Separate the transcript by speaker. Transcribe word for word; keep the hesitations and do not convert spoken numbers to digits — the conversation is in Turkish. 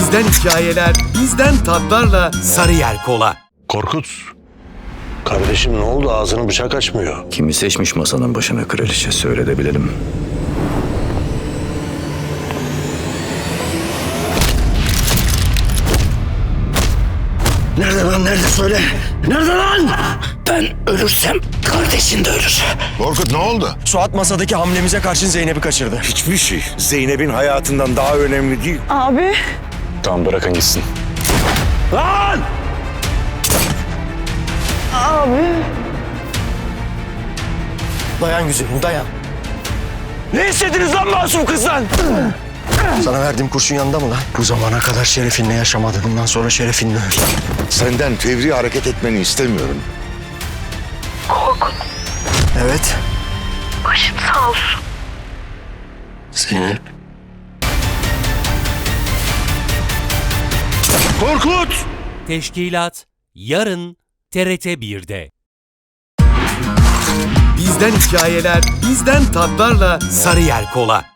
Speaker 1: Bizden hikayeler, bizden tatlarla Sarıyer Kola.
Speaker 2: Korkut. Kardeşim ne oldu? Ağzını bıçak açmıyor.
Speaker 3: Kimi seçmiş masanın başına kraliçe, söyle de bilelim.
Speaker 2: Nerede lan? Nerede? Söyle. Nerede lan?
Speaker 3: Ben ölürsem kardeşin de ölür.
Speaker 4: Korkut ne oldu?
Speaker 5: Suat masadaki hamlemize karşın Zeynep'i kaçırdı.
Speaker 4: Hiçbir şey Zeynep'in hayatından daha önemli değil.
Speaker 6: Abi.
Speaker 3: Tamam, bırakın gitsin.
Speaker 2: Lan!
Speaker 6: Abi.
Speaker 5: Dayan güzelim, dayan.
Speaker 2: Ne istediniz lan masum kızdan?
Speaker 5: Sana verdiğim kurşun yanında mı lan? Bu zamana kadar şerefinle yaşamadı. Bundan sonra şerefinle öl.
Speaker 4: Senden fevri hareket etmeni istemiyorum.
Speaker 6: Korkut.
Speaker 5: Evet.
Speaker 6: Başın sağ olsun.
Speaker 5: Zeynep.
Speaker 4: Korkut!
Speaker 7: Teşkilat yarın T R T bir'de.
Speaker 1: Bizden hikayeler, bizden tatlarla Sarıyer Kola.